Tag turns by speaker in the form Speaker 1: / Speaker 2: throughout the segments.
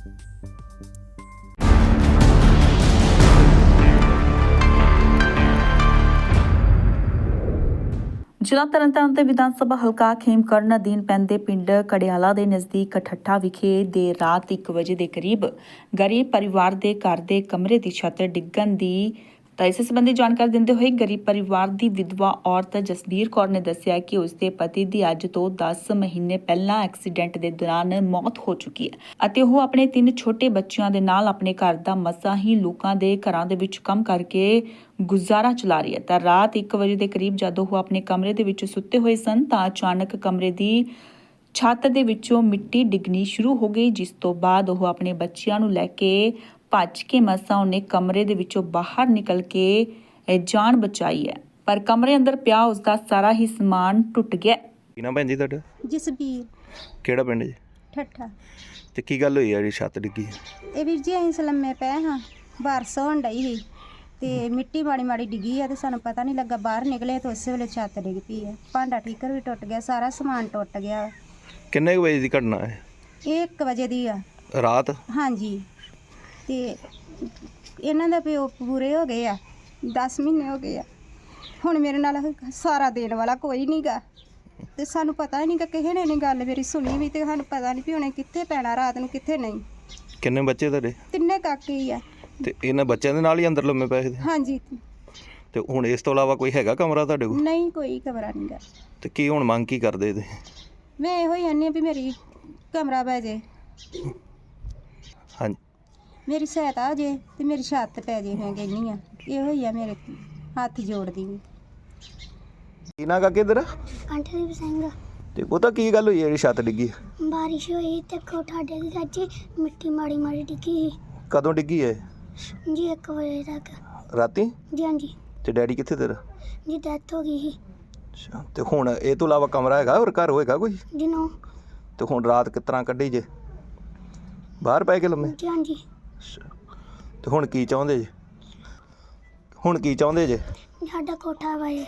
Speaker 1: ਜ਼ਿਲ੍ਹਾ ਤਰਨਤਾਰਨ ਦੇ ਵਿਧਾਨ ਸਭਾ ਹਲਕਾ ਖੇਮਕਰਨ ਅਧੀਨ ਪੈਂਦੇ ਪਿੰਡ ਕੜਿਆਲਾ ਦੇ ਨਜ਼ਦੀਕ ਠੱਠਾ ਵਿਖੇ ਦੇਰ ਰਾਤ 1 ਵਜੇ ਦੇ ਕਰੀਬ ਗਰੀਬ ਪਰਿਵਾਰ ਦੇ ਘਰ ਦੇ ਕਮਰੇ ਦੀ ਛੱਤ ਡਿੱਗਣ ਦੀ ਤਾਂ ਇਸ ਸੰਬੰਧੀ ਜਾਣਕਾਰੀ ਦਿੰਦੇ ਹੋਏ ਗਰੀਬ ਪਰਿਵਾਰ ਦੀ ਵਿਧਵਾ ਔਰਤ ਜਸਬੀਰ ਕੌਰ ਨੇ ਦੱਸਿਆ ਕਿ ਉਸ ਦੇ ਪਤੀ ਦੀ ਅੱਜ ਤੋਂ 10 ਮਹੀਨੇ ਪਹਿਲਾਂ ਐਕਸੀਡੈਂਟ ਦੇ ਦੌਰਾਨ ਮੌਤ ਹੋ ਚੁੱਕੀ ਹੈ ਅਤੇ ਉਹ ਆਪਣੇ 3 ਛੋਟੇ ਬੱਚਿਆਂ ਦੇ ਨਾਲ ਆਪਣੇ ਘਰ ਦਾ ਮਸਾਂ ਹੀ ਲੋਕਾਂ ਦੇ ਘਰਾਂ ਦੇ ਵਿੱਚ ਕੰਮ ਕਰਕੇ ਗੁਜ਼ਾਰਾ ਚਲਾ ਰਹੀ ਹੈ। ਤਾਂ ਰਾਤ 1 ਵਜੇ ਦੇ ਕਰੀਬ ਜਦੋਂ ਉਹ ਆਪਣੇ ਕਮਰੇ ਦੇ ਵਿੱਚ ਸੁੱਤੇ ਹੋਏ ਸਨ ਤਾਂ ਅਚਾਨਕ ਕਮਰੇ ਦੀ ਛੱਤ ਦੇ ਵਿੱਚੋਂ ਮਿੱਟੀ ਡਿੱਗਣੀ ਸ਼ੁਰੂ ਹੋ ਗਈ, ਜਿਸ ਤੋਂ ਬਾਅਦ ਉਹ ਆਪਣੇ ਬੱਚਿਆਂ ਨੂੰ ਲੈ ਕੇ ਭੱਜ ਕੇ ਮਸਾਂ ਉਹਨੇ ਕਮਰੇ ਦੇ ਵਿੱਚੋਂ ਬਾਹਰ ਨਿਕਲ ਕੇ ਜਾਨ ਬਚਾਈ ਹੈ, ਪਰ ਕਮਰੇ ਅੰਦਰ ਪਿਆ ਉਸਦਾ ਸਾਰਾ ਹੀ ਸਮਾਨ ਟੁੱਟ ਗਿਆ।
Speaker 2: ਕੀ ਨਾਮ ਭੈਣ ਜੀ ਤੁਹਾਡਾ?
Speaker 3: ਜਸਬੀਰ।
Speaker 2: ਕਿਹੜਾ ਪਿੰਡ ਜੀ?
Speaker 3: ਠੱਠਾ।
Speaker 2: ਤੇ ਕੀ ਗੱਲ ਹੋਈ ਆ ਜਿਹੜੀ ਛੱਤ ਡਿੱਗੀ?
Speaker 3: ਇਹ ਵੀਰ ਜੀ ਅਸੀਂ ਲੰਮੇ ਪਏ ਹਾਂ, ਬਾਰਿਸ਼ ਹੋਣ ਡਈ ਸੀ ਤੇ ਮਿੱਟੀ ਮਾੜੀ ਮਾੜੀ ਡਿੱਗੀ ਆ ਤੇ ਸਾਨੂੰ ਪਤਾ ਨਹੀਂ ਲੱਗਾ, ਬਾਹਰ ਨਿਕਲੇ ਤਾਂ ਉਸੇ ਵੇਲੇ ਛੱਤ ਡਿੱਗ ਪਈ ਹੈ। ਭਾਂਡਾ ਠੀਕਰ ਵੀ ਟੁੱਟ ਗਿਆ, ਸਾਰਾ ਸਮਾਨ ਟੁੱਟ ਗਿਆ।
Speaker 2: ਕਿੰਨੇ ਕੁ ਵਜੇ ਦੀ ਘਟਨਾ ਹੈ?
Speaker 3: ਇਹ 1 ਵਜੇ ਦੀ ਆ
Speaker 2: ਰਾਤ?
Speaker 3: ਹਾਂਜੀ। ਤੇ ਇਹਨਾਂ ਦਾ ਪਿਓ ਪੂਰੇ ਹੋ ਗਏ ਆ, 10 ਮਹੀਨੇ ਹੋ ਗਏ ਆ। ਹੁਣ ਮੇਰੇ ਨਾਲ ਸਾਰਾ ਦੇਣ ਵਾਲਾ ਕੋਈ ਨਹੀਂ ਗਾ ਤੇ ਸਾਨੂੰ ਪਤਾ ਹੀ ਨਹੀਂ ਕਿ ਕਿਸੇ ਨੇ ਨਹੀਂ ਗੱਲ ਮੇਰੀ ਸੁਣੀ ਵੀ ਤੇ ਸਾਨੂੰ ਪਤਾ ਨਹੀਂ ਵੀ ਉਹਨੇ ਕਿੱਥੇ ਪੈਣਾ ਰਾਤ ਨੂੰ ਕਿੱਥੇ ਨਹੀਂ।
Speaker 2: ਕਿੰਨੇ ਬੱਚੇ ਤੁਹਾਡੇ?
Speaker 3: 3 ਕਾਕੇ ਹੀ ਆ।
Speaker 2: ਤੇ ਇਹਨਾਂ ਬੱਚਿਆਂ ਦੇ ਨਾਲ ਹੀ ਅੰਦਰ ਲੰਮੇ ਪਏ ਸੀ?
Speaker 3: ਹਾਂਜੀ।
Speaker 2: ਤੇ ਹੁਣ ਇਸ ਤੋਂ ਇਲਾਵਾ ਕੋਈ ਹੈਗਾ ਕਮਰਾ ਤੁਹਾਡੇ ਕੋਲ?
Speaker 3: ਨਹੀਂ, ਕੋਈ ਕਮਰਾ ਨਹੀਂ ਗਾ।
Speaker 2: ਤੇ ਕੀ ਹੁਣ ਮੰਗ ਕੀ ਕਰਦੇ ਤੇ?
Speaker 3: ਮੈਂ ਇਹੋ ਹੀ ਆਨੀ ਵੀ ਮੇਰੀ ਕਮਰਾ ਪੈ ਜੇ,
Speaker 2: ਹਾਂਜੀ,
Speaker 3: ਮੇਰੀ ਸਹਾਇਤਾ ਹੋ ਜੇ ਤੇ ਮੇਰੀ ਛੱਤ ਪੈ ਜੇ। ਮੈਂ ਕਹਿੰਦੀ ਆ ਇਹੋ ਹੀ ਆ, ਮੇਰੇ ਹੱਥ ਜੋੜਦੀ ਵੀ।
Speaker 2: ਕੀ ਨਾ ਕਾ ਕਿਧਰ?
Speaker 4: ਕੰਠਦੀਪ ਸਿੰਘ।
Speaker 2: ਤੇ ਉਹ ਤਾਂ ਕੀ ਗੱਲ ਹੋਈ ਜਿਹੜੀ ਛੱਤ ਡਿੱਗੀ?
Speaker 4: ਬਾਰਿਸ਼ ਹੋਈ ਤੇ ਕੋਠਾ ਡਿੱਗ ਗਿਆ ਜੀ, ਮਿੱਟੀ ਮਾੜੀ ਮਾੜੀ ਡਿੱਗੀ
Speaker 2: ਕਦੋਂ ਡਿੱਗੀ ਹੈ
Speaker 4: ਜੀ? 1 ਵਜੇ ਤੱਕ।
Speaker 2: ਰਾਤੀ?
Speaker 4: ਜੀ ਹਾਂਜੀ
Speaker 2: ਤੇ ਡੈਡੀ ਕਿੱਥੇ ਤੇਰਾ?
Speaker 4: ਜੀ, ਡੈਥ ਹੋ ਗਈ ਸੀ
Speaker 2: ਅੱਛਾ, ਤੇ ਹੁਣ ਇਹ ਤੋਂ ਇਲਾਵਾ ਕਮਰਾ ਹੈਗਾ ਹੋਰ ਘਰ ਹੋਏਗਾ ਕੋਈ?
Speaker 4: ਜੀ। ਨੋ।
Speaker 2: ਤੇ ਹੁਣ ਰਾਤ ਕਿਸ ਤਰ੍ਹਾਂ ਕੱਢੀ ਜੇ? ਬਾਹਰ ਪੈ ਕੇ ਲੰਮੇ?
Speaker 4: ਜੀ ਹਾਂਜੀ।
Speaker 2: ਅੱਛਾ, ਤੇ ਹੁਣ ਕੀ ਚਾਹੁੰਦੇ ਜੇ? ਹੁਣ ਕੀ ਚਾਹੁੰਦੇ ਜੇ?
Speaker 4: ਸਾਡਾ ਕੋਠਾ ਵਾਏ।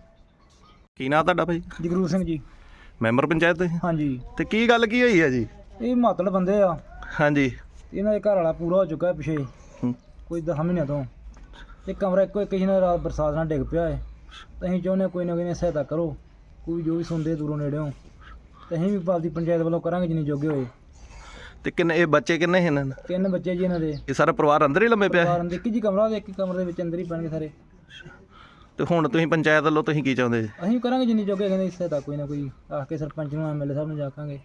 Speaker 2: ਕੀ ਨਾਂ ਤੁਹਾਡਾ ਭਾਈ?
Speaker 5: ਜਗਰੂਪ ਸਿੰਘ ਜੀ।
Speaker 2: ਮੈਂਬਰ ਪੰਚਾਇਤ ਤੁਸੀਂ?
Speaker 5: ਹਾਂਜੀ।
Speaker 2: ਤੇ ਕੀ ਗੱਲ ਕੀ ਹੋਈ ਹੈ ਜੀ?
Speaker 5: ਇਹ ਮਾਤੜ ਬੰਦੇ ਆ,
Speaker 2: ਹਾਂਜੀ।
Speaker 5: ਇਹਨਾਂ ਦੇ ਘਰ ਵਾਲਾ ਪੂਰਾ ਹੋ ਚੁੱਕਾ ਹੈ ਪਿਛੇ
Speaker 2: ਹੂੰ।
Speaker 5: ਕੋਈ 10 ਮਹੀਨਿਆਂ ਤੋਂ। ਇਹ ਕਮਰਾ ਇੱਕੋ ਕਿਸੇ ਨਾਲ ਰਾਤ ਬਰਸਾਤ ਨਾਲ ਡਿੱਗ ਪਿਆ ਹੈ। ਤਾਂ ਅਸੀਂ ਚਾਹੁੰਦੇ ਕੋਈ ਨਾ ਕੋਈ ਨੇ ਸਹਾਇਤਾ ਕਰੋ, ਕੋਈ ਜੋ ਵੀ ਸੁਣਦੇ ਦੂਰੋਂ ਨੇੜਿਓਂ, ਤੇ ਅਸੀਂ ਵੀ ਆਪਦੀ ਪੰਚਾਇਤ ਵੱਲੋਂ ਕਰਾਂਗੇ ਜਿੰਨੀ ਜੋਗੇ ਹੋਏ।
Speaker 2: ਤੇ ਕਿੰਨੇ ਇਹ ਬੱਚੇ ਕਿੰਨੇ ਸੀ ਇਹਨਾਂ ਦੇ?
Speaker 5: 3 ਬੱਚੇ ਜੀ ਇਹਨਾਂ ਦੇ।
Speaker 2: ਇਹ ਸਾਰਾ ਪਰਿਵਾਰ ਅੰਦਰ ਹੀ ਲੰਮੇ ਪਿਆ ਹੈ?
Speaker 5: ਇੱਕ ਜੀ ਕਮਰਾ ਦੇ, ਇੱਕ ਕਮਰੇ ਦੇ ਵਿੱਚ ਅੰਦਰ ਹੀ ਪੈਣਗੇ ਸਾਰੇ।
Speaker 2: ਤੇ ਹੁਣ ਤੁਸੀਂ ਪੰਚਾਇਤ ਵੱਲੋਂ ਤੁਸੀਂ ਕੀ ਚਾਹੁੰਦੇ ਜੀ?
Speaker 5: ਅਸੀਂ ਕਰਾਂਗੇ ਜਿੰਨੀ ਜੋਗੇ, ਕਹਿੰਦੇ ਸਹਾਇਤਾ ਕੋਈ ਨਾ ਕੋਈ ਆਖ ਕੇ ਸਰਪੰਚ ਨੂੰ ਐਮਐਲਏ ਸਾਹਿਬ ਨੂੰ ਜਾਕਾਂਗੇ।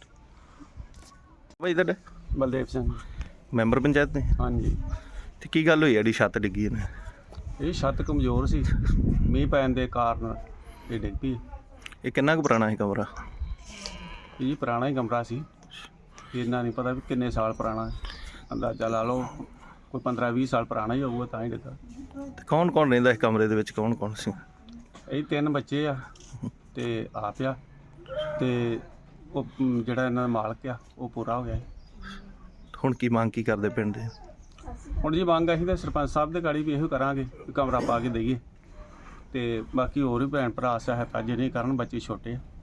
Speaker 2: ਭਾਈ ਤੁਹਾਡਾ?
Speaker 6: ਬਲਦੇਵ ਸਿੰਘ।
Speaker 2: ਮੈਂਬਰ ਪੰਚਾਇਤ ਨੇ?
Speaker 6: ਹਾਂਜੀ।
Speaker 2: ਤੇ ਕੀ ਗੱਲ ਹੋਈ ਜਿਹੜੀ ਛੱਤ ਡਿੱਗੀ ਇਹਨੇ?
Speaker 6: ਇਹ ਛੱਤ ਕਮਜ਼ੋਰ ਸੀ, ਮੀਂਹ ਪੈਣ ਦੇ ਕਾਰਨ ਇਹ ਡਿੱਗ ਪਈ।
Speaker 2: ਇਹ ਕਿੰਨਾ ਕੁ ਪੁਰਾਣਾ ਸੀ ਕਮਰਾ?
Speaker 6: ਇਹ ਪੁਰਾਣਾ ਹੀ ਕਮਰਾ ਸੀ, ਇੰਨਾ ਨਹੀਂ ਪਤਾ ਵੀ ਕਿੰਨੇ ਸਾਲ ਪੁਰਾਣਾ, ਅੰਦਾਜ਼ਾ ਲਾ ਲਓ ਕੋਈ 15-20 ਸਾਲ ਪੁਰਾਣਾ ਹੀ ਹੋਊਗਾ ਤਾਂ ਹੀ ਡਿੱਗਾ।
Speaker 2: ਤੇ ਕੌਣ ਕੌਣ ਰਹਿੰਦਾ ਇਸ ਕਮਰੇ ਦੇ ਵਿੱਚ? ਕੌਣ ਕੌਣ ਸੀ?
Speaker 6: ਇਹ 3 ਬੱਚੇ ਆ ਤੇ ਆਪ ਆ, ਤੇ ਉਹ ਜਿਹੜਾ ਇਹਨਾਂ ਦਾ ਮਾਲਕ ਆ ਉਹ ਪੂਰਾ ਹੋ ਗਿਆ।
Speaker 2: ਹੁਣ ਕੀ ਮੰਗ ਕੀ ਕਰਦੇ ਪਿੰਡ ਦੇ?
Speaker 6: ਹੁਣ ਜੀ ਮੰਗ ਅਸੀਂ ਤਾਂ ਸਰਪੰਚ ਸਾਹਿਬ ਦੇ ਗਾੜੀ ਵੀ ਇਹੋ ਕਰਾਂਗੇ ਕਿ ਕਮਰਾ ਪਾ ਕੇ ਦਈਏ, ਤੇ ਬਾਕੀ ਹੋਰ ਵੀ ਭੈਣ ਭਰਾ ਸਹਾਇਤਾ ਜੇ ਨਹੀਂ ਕਰਨ, ਬੱਚੇ ਛੋਟੇ ਆ।